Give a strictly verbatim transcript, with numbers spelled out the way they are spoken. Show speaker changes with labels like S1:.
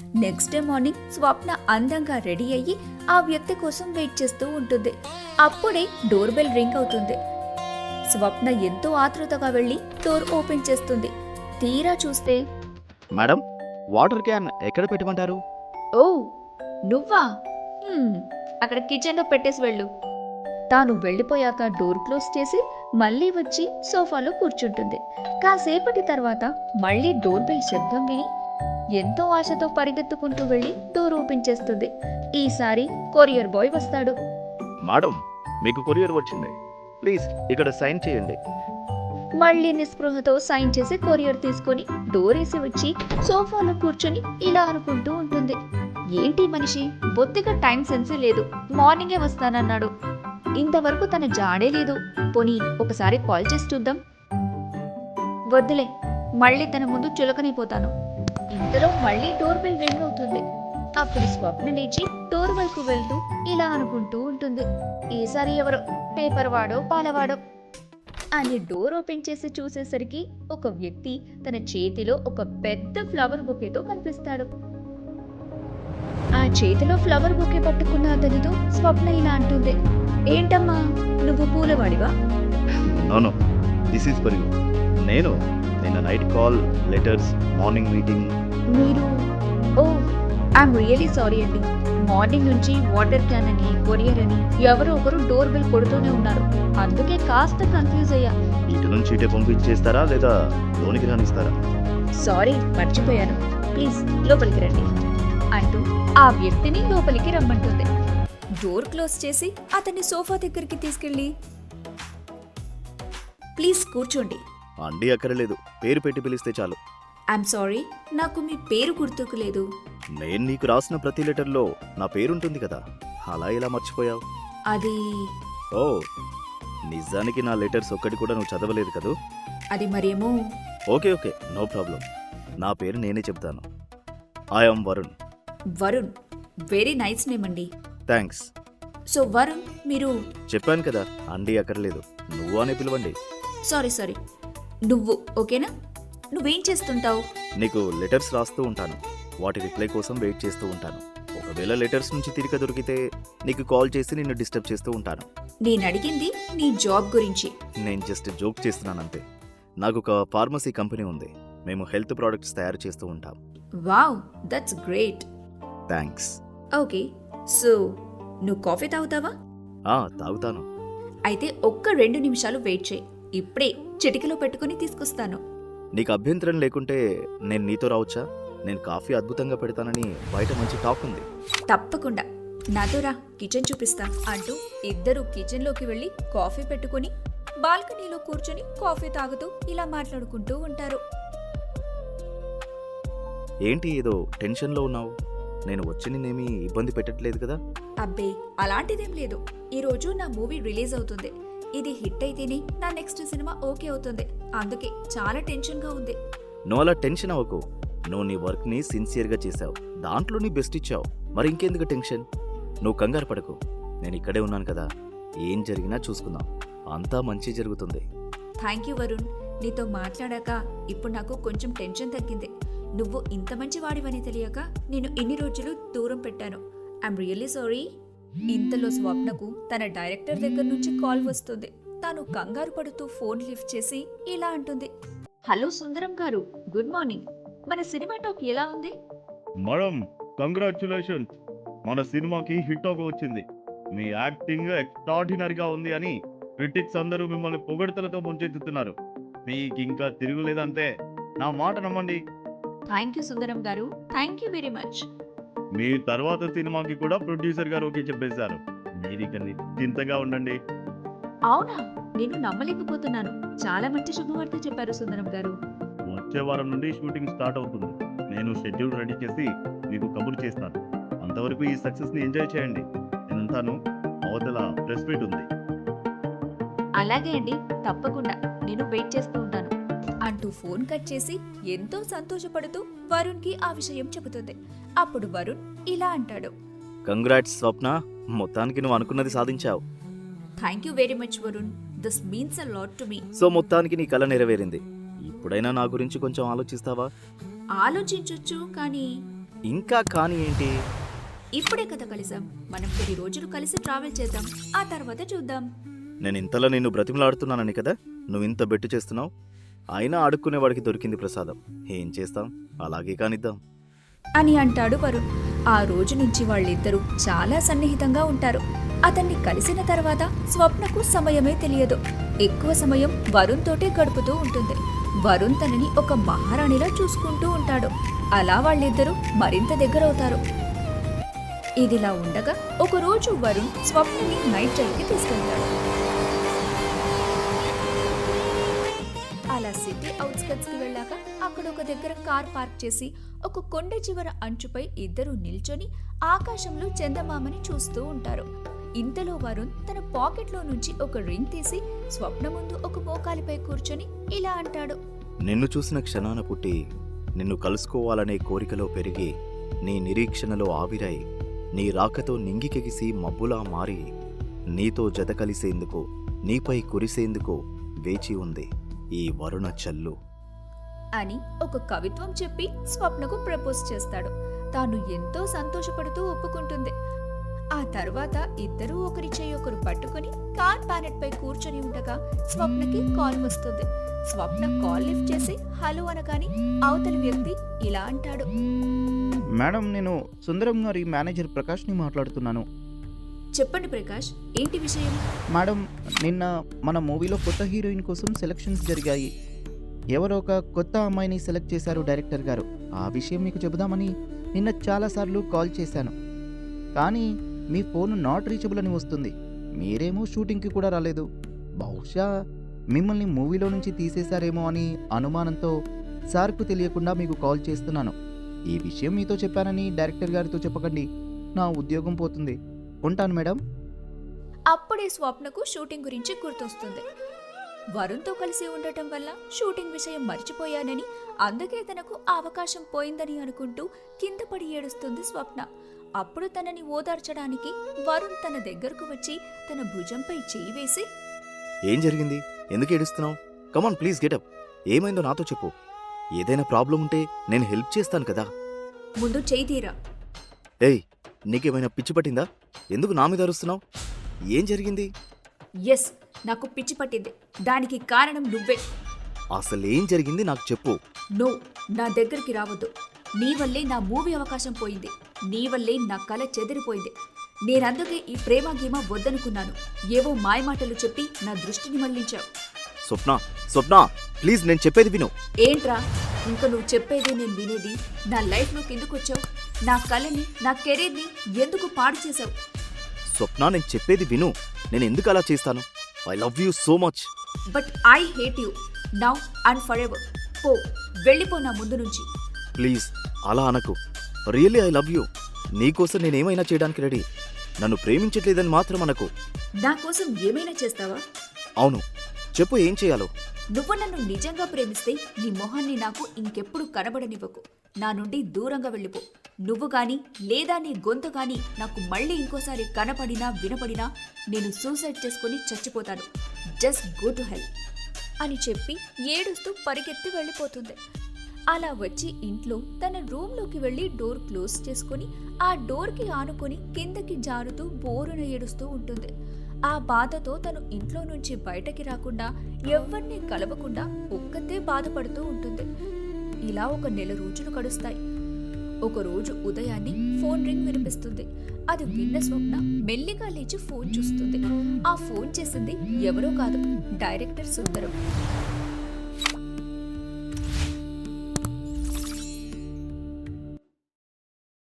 S1: Next day morning స్వప్న అందంగా ready అయ్యి ఆ వ్యక్తి కోసం వెయిట్ చేస్తూ ఉంటుంది. అప్పుడే డోర్ బెల్ రింగ్ అవుతుంది. స్వప్న ఎంతో ఆతృతగా వెళ్లి డోర్ ఓపెన్ చేస్తుంది. తీరా చూస్తే,
S2: మేడం, వాటర్ క్యాన్ ఎక్కడ పెట్టమంటారు?
S1: ఓ నువ్వా, హ్మ్, అక్కడ కిచెన్లో పెట్టేసి వెళ్ళు. తాను వెళ్ళిపోయాక డోర్ క్లోజ్ చేసి మళ్ళీ వచ్చి సోఫాలో కూర్చుంటుంది. కాసేపటి తర్వాత మళ్ళీ డోర్ బెల్ శబ్దం విని ఎంతో ఆశతో పరిగెత్తుకుంటూ వెళ్ళి డోర్ ఓపెన్ చేస్తుంది. ఈసారి కొరియర్ బాయ్ వస్తాడు.
S2: మేడం, మీకు కొరియర్ వచ్చింది, ప్లీజ్ ఇక్కడ సైన్ చేయండి.
S1: మళ్ళీ నిస్పృహతో సైన్ చేసి కొరియర్ తీసుకొని డోర్ వేసి వచ్చి సోఫాలో కూర్చొని ఇలా అనుకుంటూ ఉంటుంది. ఏంటి మనిషి, బొత్తిగా టైం సెన్సే లేదు. మార్నింగే వస్తానన్నాడు, ఇంతవరకు తన జాడే లేదు. పోనీ ఒకసారి కాల్ చేసి చూద్దాం. వద్దులే, మళ్ళీ తన ముందు చులకనైపోతాను. ఇంతలో మళ్ళీ డోర్ బెల్ రింగ్ అవుతుంది. అప్పుడు స్వప్న లేచి డోర్ వైపు వెళ్తూ ఇలా అనుకుంటూ ఉంటుంది. ఈసారి ఎవరో పేపర్ వాడో పాలవాడో అని డోర్ ఓపెన్ చేసి చూసేసరికి ఒక వ్యక్తి తన చేతిలో ఒక పెద్ద ఫ్లవర్ బొకేతో కనిపిస్తాడు. ఆ చేతిలో ఫ్లవర్ బొకే పట్టుకున్న అతనితో స్వప్న ఇలా అంటుంది, ఏంటమ్మా నువ్వు పూలవాడివా?
S2: No, this is for you. నేను నిన్న night call, letters, morning meeting.
S1: మీరు ఓ ఐఎమ్ రియలీ సారీ అండి. మార్నింగ్ నుంచి వాటర్ క్యాన్ అని కొరియర్ అని ఎవరో ఒకరు డోర్ బెల్ కొడుతూనే ఉన్నారు. అందుకే కాస్త కన్ఫ్యూజ్ అయ్యా.
S2: ఇటు నుంచి ఇటే పంపించేస్తారా లేదా లోనికి రానిస్తారా?
S1: సారీ, మర్చిపోయాను. ప్లీజ్ లోపలికి రండి అంటూ ఆ వ్యక్తిని లోపలికి రమ్మంటుంది. డోర్ క్లోజ్ చేసి అతన్ని సోఫా దగ్గరికి తీసుకెళ్ళి, ప్లీజ్ కూర్చోండి.
S2: అండి అక్కర్లేదు, పేరు పెట్టి పిలిస్తే చాలు.
S1: ఐఎమ్ సారీ, నాకు మీ పేరు గుర్తుకు లేదు.
S2: నేను నీకు రాసిన ప్రతి లెటర్లో నా పేరుంటుంది కదా, అలా ఎలా మర్చిపోయావు?
S1: అది
S2: ఓ, నిజానికి నా లెటర్స్ ఒక్కటి కూడా నువ్వు చదవలేదు కదూ?
S1: అది మరేమో.
S2: Okay okay, no problem. నా పేరు నేనే చెప్తాను. I am Varun.
S1: Varun, very nice name అండి.
S2: థ్యాంక్స్.
S1: సో వరుణ్, మీరు
S2: చెప్పాను కదా, అండి అక్కర్లేదు, నువ్వు అనే పిలవండి.
S1: సారీ సారీ నువ్వు ఓకేనా? నువ్వేం చేస్తుంటావు?
S2: నీకు లెటర్స్ రాస్తూ ఉంటాను, వాటి రిప్లై కోసం వెయిట్ చేస్తూ ఉంటాను. ఒకవేళ లెటర్స్ నుంచి తిరిగి దొరికితే నీకు కాల్ చేసి నిన్ను డిస్టర్బ్ చేస్తూ ఉంటాను.
S1: నేను అడిగింది నీ జాబ్ గురించి.
S2: నేను జస్ట్ జోక్ చేస్తున్నానంతే. నాకు ఒక ఫార్మసీ కంపెనీ ఉంది, మేము హెల్త్ ప్రోడక్ట్స్ తయారు చేస్తూ ఉంటాం.
S1: Wow, that's great.
S2: Thanks.
S1: Okay, so నువ్వు కాఫీ తాగుతావా?
S2: ఆ, తాగుతాను.
S1: అయితే ఒక్క రెండు నిమిషాలు వెయిట్ చేయి, ఇప్పుడే చిటికలో పెట్టుకుని తీసుకొస్తాను.
S2: నీకు అభ్యంతరం లేకుంటే నేను నీతో రావచ్చా? నేను కాఫీ అద్భుతంగా పెడతానని బయట మంచి టాక్ ఉంది.
S1: తప్పకుండా, నాతో రా, కిచెన్ చూపిస్తా అంటూ ఇద్దరు కిచెన్లోకి వెళ్ళి కాఫీ పెట్టుకుని బాల్కనీలో కూర్చొని కాఫీ తాగుతూ ఇలా మాట్లాడుకుంటూ ఉంటారు.
S2: ఏంటి ఏదో టెన్షన్లో ఉన్నావు? నేను వచ్చి నిన్నేమీ ఇబ్బంది పెట్టట్లేదు కదా?
S1: అబ్బే, అలాంటిదేం లేదు. ఈరోజు నా మూవీ రిలీజ్ అవుతుంది. ఇది హిట్ అయితేనే నా నెక్స్ట్ సినిమా ఓకే అవుతుంది. అందుకే చాలా టెన్షన్గా ఉంది.
S2: నువ్వు అలా టెన్షన్ అవ్వకు. నువ్వు నీ వర్క్ని సిన్సియర్గా చేసావు, దాంట్లో నీ బెస్ట్ ఇచ్చావు. మరి ఇంకెందుకు టెన్షన్? నువ్వు కంగారు పడకు, నేను ఇక్కడే ఉన్నాను కదా. ఏం జరిగినా చూసుకుందాం, అంతా మంచి జరుగుతుంది.
S1: థ్యాంక్ యూ వరుణ్, నీతో మాట్లాడాక ఇప్పుడు నాకు కొంచెం టెన్షన్ తగ్గింది. నువ్వు ఇంత మంచి వాడివని తెలియక నేను ఇన్ని రోజులు దూరం పెట్టాను. I'm really sorry. ఇంతలో స్వప్నకు తన డైరెక్టర్ దగ్గర నుంచి కాల్ వస్తుంది. తాను కంగారు పడుతూ ఫోన్ లిఫ్ట్ చేసి ఇలా అంటుంది, hello Sundaram garu, good morning. మన సినిమా టాక్ ఎలా ఉంది?
S3: మేడం, కంగ్రాచ్యులేషన్స్, మన సినిమాకి హిట్ టాక్ వచ్చింది. మీ యాక్టింగ్ ఎక్స్ట్రాడినరీగా ఉంది అని క్రిటిక్స్ అందరూ మిమ్మల్ని పొగడ్తలతో ముంచెత్తుతున్నారు. మీకు ఇంకా తిరుగులేదంతే, నా మాట నమ్మండి.
S1: Thank you Sundaram garu, thank you very much.
S3: మీ తర్వాత సినిమాకి కూడా ప్రొడ్యూసర్ గారు ఓకే చెప్పేశారు. మీరు ఇక నిశ్చింతగా ఉండండి.
S1: అవునా, నేను నమ్మలేకపోతున్నాను. చాలా మంచి శుభవార్త చెప్పారు సుందరం గారు.
S3: వచ్చే వారం నుండి షూటింగ్ స్టార్ట్ అవుతుంది. నేను షెడ్యూల్ రెడీ చేసి మీకు కబురు చేస్తాను. అంతవరకు ఈ సక్సెస్ని ఎంజాయ్ చేయండి. నేనంతాను, అవతల ప్రెస్ మీట్ ఉంది.
S1: అలాగే అండి, తప్పకుండా, నేను వెయిట్ చేస్తూ ఉంటాను అంటూ ఫోన్ కట్ చేసి ఎంతో సంతోషపడుతూ వరుణ్ కి ఆ విషయం చెబుతుంది. అప్పుడు వరుణ్ ఇలా అంటాడు,
S2: కంగ్రాట్స్ స్వప్న, మొత్తానికి నువ్వు అనుకున్నది సాధించావు.
S1: Thank you very much Varun, this means a lot to me.
S2: So మొత్తానికి నీ కల నెరవేరింది. ఇప్పుడైనా నా గురించి కొంచెం ఆలోచిస్తావా?
S1: ఆలోచించొచ్చు, కానీ
S2: ఇంకా కానీ ఏంటి?
S1: ఇప్పుడే కదా కలిసాం, మనం కొన్ని రోజులు కలిసి ట్రావెల్ చేద్దాం, ఆ తర్వాత చూద్దాం.
S2: నేను ఇంతలో నిన్ను బ్రతిమలాడుతున్నానని కదా నువ్వు ఇంత బెట్టు చేస్తున్నావు. అయినా అడుక్కునేవాడికి దొరికింది ప్రసాదం. ఏం చేస్తాం, అలాగే కానిద్దాం
S1: అని అంటాడు వరుణ్. ఆ రోజు నుంచి వాళ్ళిద్దరూ చాలా సన్నిహితంగా ఉంటారు. అతన్ని కలిసిన తర్వాత స్వప్నకు సమయమే తెలియదు. ఎక్కువ సమయం వరుణ్ తోటే గడుపుతూ ఉంటుంది. వరుణ్ తనని ఒక మహారాణిలా చూసుకుంటూ ఉంటాడు. అలా వాళ్ళిద్దరూ మరింత దగ్గరవుతారు. ఇదిలా ఉండగా ఒకరోజు వరుణ్ స్వప్నని నైట్ డ్రైవ్కి తీసుకెళ్తాడు. అలా సిటీ అవుట్స్కట్స్ కి వెళ్ళాక అక్కడ ఒక దగ్గర కార్ పార్క్ చేసి ఒక కొండ చివర అంచుపై ఇద్దరు నిల్చొని ఆకాశంలో చందమామని చూస్తూ ఉంటారు. ఇంతలో వరుణ్ తన పాకెట్లో నుంచి ఒక రింగ్ తీసి స్వప్న ముందు ఒక మోకాలిపై కూర్చొని ఇలా అంటాడు.
S2: నిన్ను చూసిన క్షణాన పుట్టి నిన్ను కలుసుకోవాలనే కోరికలో పెరిగి నీ నిరీక్షణలో ఆవిరాయి నీ రాకతో నింగికెగిసి మబ్బులా మారి నీతో జత కలిసేందుకు నీపై కురిసేందుకు వేచి ఉంది ఈ వరుణ చల్లు
S1: అని ఒక కవిత్వం చెప్పి స్వప్నకు ప్రపోజ్ చేస్తాడు. తాను ఎంతో సంతోషపడుతూ ఒప్పుకుంటుంది. ఆ తర్వాత ఇద్దరూ ఒకరి చేయి ఒకరు పట్టుకుని కార్ ప్యానెట్ పై కూర్చొని ఉండగా స్వప్నకి కాల్ వస్తుంది. స్వప్న కాల్ లిఫ్ట్ చేసి హలో అనగాని అవతలి వ్యక్తి ఇలా అంటాడు.
S4: మేడం, నేను సుందరం గారి మేనేజర్ ప్రకాష్ని మాట్లాడుతున్నాను.
S1: చెప్పండి ప్రకాష్, ఏంటి విషయం?
S4: మేడం, నిన్న మన మూవీలో కొత్త హీరోయిన్ కోసం సెలక్షన్స్ జరిగాయి. ఎవరో ఒక కొత్త అమ్మాయిని సెలెక్ట్ చేశారు డైరెక్టర్ గారు. ఆ విషయం మీకు చెబుదామని నిన్న చాలాసార్లు కాల్ చేశాను, కానీ మీ ఫోన్ నాట్ రీచబుల్ అని వస్తుంది. మీరేమో షూటింగ్కి కూడా రాలేదు. బహుశా మిమ్మల్ని మూవీలో నుంచి తీసేశారేమో అని అనుమానంతో సార్కు తెలియకుండా మీకు కాల్ చేస్తున్నాను. ఈ విషయం మీతో చెప్పానని డైరెక్టర్ గారితో చెప్పకండి, నా ఉద్యోగం పోతుంది. ఉంటాను మేడం.
S1: అప్పుడే స్వప్నకు షూటింగ్ గురించి గుర్తొస్తుంది. వరుణ్తో కలిసి ఉండటం వల్ల షూటింగ్ విషయం మర్చిపోయానని, అందుకే తనకు ఆ అవకాశం పోయిందని అనుకుంటూ కింద పడి ఏడుస్తుంది స్వప్న. అప్పుడు తనని ఓదార్చడానికి వరుణ్ తన దగ్గరకు వచ్చి తన భుజంపై చేయి వేసి,
S2: ఏం జరిగింది, ఎందుకు ఏడుస్తున్నావు? Come on please get up. ఏమైందో నాతో చెప్పు. ఏదైనా ప్రాబ్లం ఉంటే నేను హెల్ప్ చేస్తాను కదా.
S1: ముందు చేయి తీరా.
S2: ఏయ్, నీకేమైనా పిచ్చి పట్టిందా? ఎందుకు నా మీద అరుస్తున్నావు? ఏం జరిగింది?
S1: ఎస్, నాకు పిచ్చి పట్టింది. దానికి కారణం నువ్వే.
S2: అసలేం జరిగింది నాకు చెప్పు.
S1: నో, నా దగ్గరికి రావద్దు. నీ వల్లే నా మూవీ అవకాశం పోయింది. నీ వల్లే నా కళ చెదిరిపోయింది. నేనందుకే ఈ ప్రేమ గీమ వద్దనుకున్నాను. ఏవో మాయమాటలు చెప్పి నా దృష్టిని మళ్లించావు.
S2: స్వప్న, స్వప్న ప్లీజ్ నేను చెప్పేది విను.
S1: ఏంట్రా, ఇంకా నువ్వు చెప్పేది నేను వినేది? నా లైఫ్లోకి ఎందుకు వచ్చావు? నా కళని, నా కెరీర్ని ఎందుకు పాడు చేశావు?
S2: స్వప్న నేను చెప్పేది విను. నేను ఎందుకు అలా చేస్తాను? I love you so much.
S1: But I hate you now and forever. పో, వెళ్ళిపో నా ముందు నుంచి.
S2: ప్లీజ్ అలా అనకు. Really I love you. నీకోసం నేనేమైనా చేయడానికి రెడీ. నన్ను ప్రేమించట్లేదని మాత్రం అనకు.
S1: నా కోసం ఏమైనా చేస్తావా?
S2: అవును, చెప్పు ఏం చేయాలో.
S1: నువ్వు నన్ను నిజంగా ప్రేమిస్తే నీ మొహాన్ని నాకు ఇంకెప్పుడు కనబడనివ్వకు. నా నుండి దూరంగా వెళ్ళిపో. నువ్వు గాని లేదా నీ గొంతు గాని నాకు మళ్ళీ ఇంకోసారి కనపడినా వినపడినా నేను సూసైడ్ చేసుకుని చచ్చిపోతాను. జస్ట్ గో టు హెల్ అని చెప్పి ఏడుస్తూ పరిగెత్తి వెళ్ళిపోతుంది. అలా వచ్చి ఇంట్లో తన రూమ్లోకి వెళ్ళి డోర్ క్లోజ్ చేసుకుని ఆ డోర్కి ఆనుకొని కిందకి జారుతూ బోరున ఏడుస్తూ ఉంటుంది. ఆ బాధతో తను ఇంట్లో నుంచి బయటకి రాకుండా ఎవ్వరిని కలవకుండా ఒక్కతే బాధపడుతూ ఉంటుంది. ఇలా ఒక నెల రోజులు గడుస్తాయి. ఒకరోజు ఉదయాన్నే ఫోన్ రింగ్ వినిపిస్తుంది. అది విన్న స్వప్న మెల్లిగా లేచి ఫోన్ చూస్తుంది. ఆ ఫోన్ చేసింది ఎవరో కాదు, డైరెక్టర్ సుందరం.